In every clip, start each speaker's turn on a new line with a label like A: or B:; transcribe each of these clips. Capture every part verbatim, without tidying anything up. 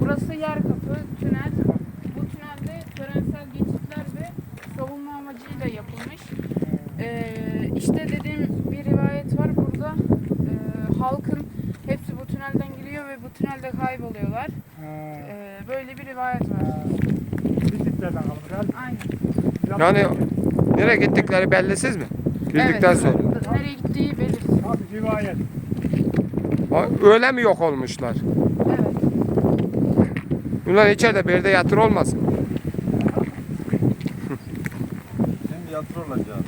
A: Burası yer kapı, tünel. Bu tünelde törensel geçitler ve savunma amacıyla yapılmış. Ee, işte dediğim bir rivayet var burada. Ee, halkın hepsi bu tünelden giriyor ve bu tünelde kayboluyorlar. Ee, böyle bir rivayet var.
B: Bittiklerden kalmış.
A: Aynen.
C: Yani nereye gittikleri bellisiz mi? Girdikten
A: Evet,
C: sonra.
A: nereye gittiği belirsiz.
B: Abi rivayet.
C: Ha, öyle mi yok olmuşlar?
A: Evet.
C: Bunlar içeride bir yerde yatır olmasın?
D: Şimdi yatır olacağım.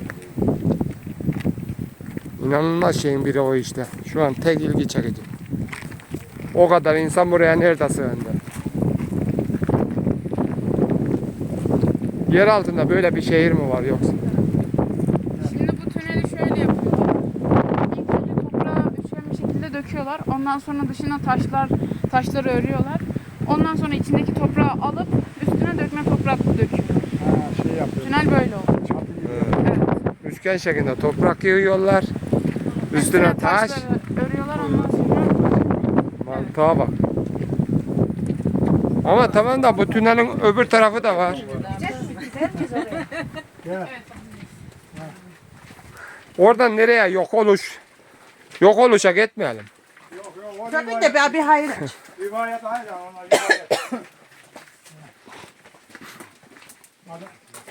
C: İnanılmaz şeyin biri o işte. Şu an tek ilgi çekici. O kadar insan buraya nerede sığındı? Yer altında böyle bir şehir mi var yoksa?
A: Şimdi bu tüneli şöyle yapıyorlar. İlk önce toprağı üçgen bir şekilde döküyorlar. Ondan sonra dışına taşlar, taşları örüyorlar. Ondan sonra içindeki toprağı alıp üstüne dökme toprak döküyor.
B: Ha, şey yapıyor.
A: Tünel böyle oldu.
B: Çatı gibi.
A: Evet.
C: Üçgen şeklinde toprak yığıyorlar. Üstüne taş.
A: taşları örüyorlar ondan sonra.
C: Mantığa bak. Ama tamam da bu tünelin öbür tarafı da var.
B: Gel.
C: Oradan nereye yok oluş? Yok oluşa gitmeyelim.
B: Yok yok. O
E: Tabii
B: rivayet,
E: de ben bir hayır aç.
B: rivayet aynı. Onlar rivayet. Adam-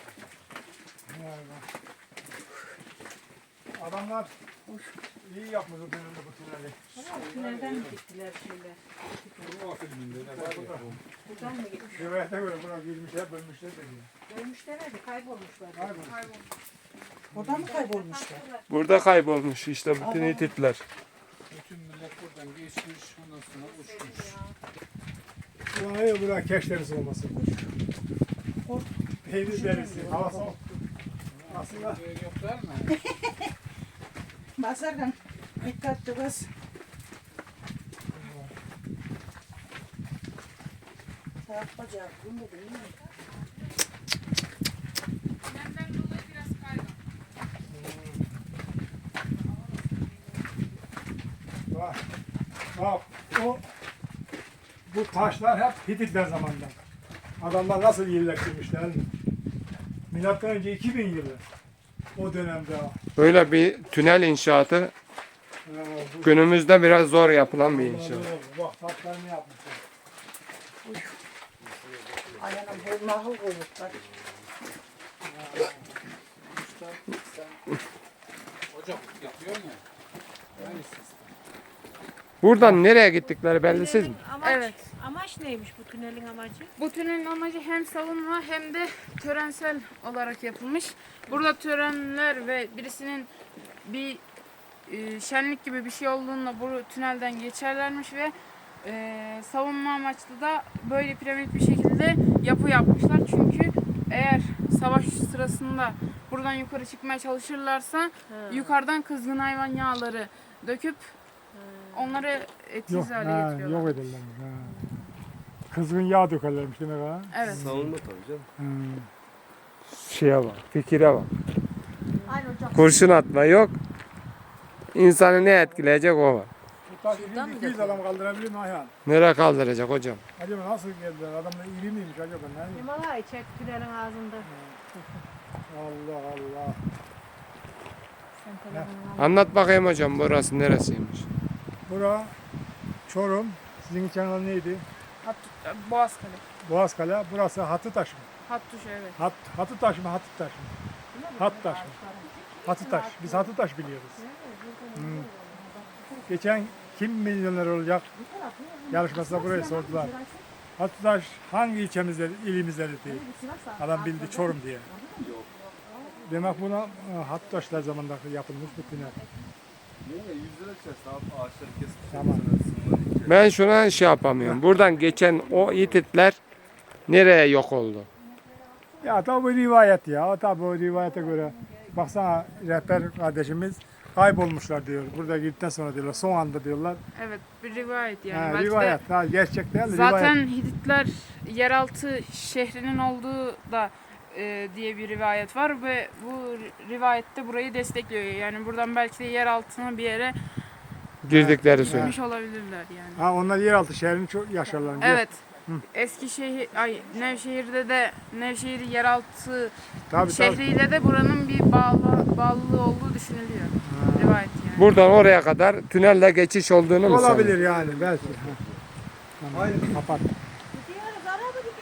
B: Adamlar iyi yapmış o tünelde bu tüneli.
E: Nereden gittiler şeyler? Buradan mı gitmiş?
B: Rivayete göre buna girmişler, bölmüşler dedi.
E: Ölmüşler hadi kaybolmuşlar.
B: Kaybolmuş.
E: Buradan mı kaybolmuşlar?
C: Burada kaybolmuş işte bütün itipler.
D: Bütün millet buradan geçmiş, ondan sonra uçmuş.
B: Buraya buraya keş derisi olmasın. Peynir derisi, hava soğuk. Aslında
D: Böyle yoklar mı?
E: Basarken dikkatli bas. Taraf bacağı bilmedim değil mi?
A: Tünelden dolayı biraz kaygan.
B: bak, bak o bu taşlar hep Hititler zamanında. Adamlar nasıl yerleştirmişler? Milattan önce iki bin yılı. O dönemde.
C: Böyle bir tünel inşaatı
B: Ha, bu-
C: günümüzde biraz zor yapılan bir inşaat.
B: Bak taşlar ne yapmışlar.
E: Ayağına bu mahıl koymuşlar.
D: Ocak yapıyor mu? Aynı sistem.
C: Buradan nereye gittikleri bellisiz mi?
F: Amaç,
A: Evet.
F: amaç neymiş bu tünelin amacı?
A: Bu tünelin amacı hem savunma hem de törensel olarak yapılmış. Burada törenler ve birisinin bir e, şenlik gibi bir şey olduğunda bu tünelden geçerlermiş ve e, savunma amaçlı da böyle piramit bir şekilde yapı yapmışlar. Çünkü eğer savaş sırasında buradan yukarı çıkmaya çalışırlarsa yukarıdan kızgın hayvan yağları döküp onları
B: Yok,
A: etkisiz hale
B: ha,
A: getiriyorlar.
B: yok ederler. Ha. Kızgın yağ dökerlermiş demek ha.
A: Evet.
D: Savunma tabii canım.
B: Ha.
C: Şeye bak, fikire bak.
E: Aynı ocak.
C: Kurşun atma yok. İnsanı ne etkileyecek o var.
B: Bu taş iki yüz adam kaldırabilir mi Ayhan?
C: Nereye kaldıracak hocam?
B: Acaba nasıl geldiler? Adamlar iri miymiş acaba? Ne?
F: Himalaya çek tünelin ağzında.
B: Allah Allah.
F: Sen telefonun
C: Anlat bakayım hocam burası neresiymiş?
B: Bura Çorum. Sizin için adı neydi?
A: Hat, Boğazkale.
B: Boğazkale. Burası Hatıtaş mı?
A: Hattuş evet.
B: Hat, Hatıtaş mı? Hatıtaş mı? Hattaş mı? Hatıtaş. Biz Hatıtaş biliyoruz. Hmm. Geçen kim milyoner olacak yarışmasında burayı sordular. Hatıtaş hangi ilçemizde, ilimizde değil. Adam bildi Çorum diye. Demek buna e, Hatıtaşlar zamanında yapılmış bu tünel.
D: Niye? Yüz lira içersin abi ağaçları kesip.
B: Tamam.
C: Ben şuna şey yapamıyorum. Buradan geçen o ititler nereye yok oldu?
B: Ya tabi bu rivayet ya. Tabi o rivayete göre baksana rehber kardeşimiz kaybolmuşlar diyor. Burada girdikten sonra diyorlar. Son anda diyorlar.
A: Evet bir rivayet yani.
B: Ha,
A: Belki de
B: rivayet. Ha, gerçek değil.
A: zaten
B: Rivayet.
A: Hititler yeraltı şehrinin olduğu da e, diye bir rivayet var ve bu rivayette burayı destekliyor. Yani buradan belki de yer altına bir yere
C: Girdikleri söyle.
A: gitmiş olabilirler yani.
B: Ha, onlar yeraltı şehrini çok yaşarlar.
A: Evet. Eskişehir, ay Nevşehir'de de Nevşehir yeraltı
B: Tabii tabii.
A: şehriyle de buranın bir bağlı bağlılığı olduğu düşünülüyor. Rivayet yani.
C: Buradan oraya kadar tünelle geçiş olduğunu mu
B: Olabilir
C: sanıyorsun?
B: yani belki. Ha. Tamam, kapat.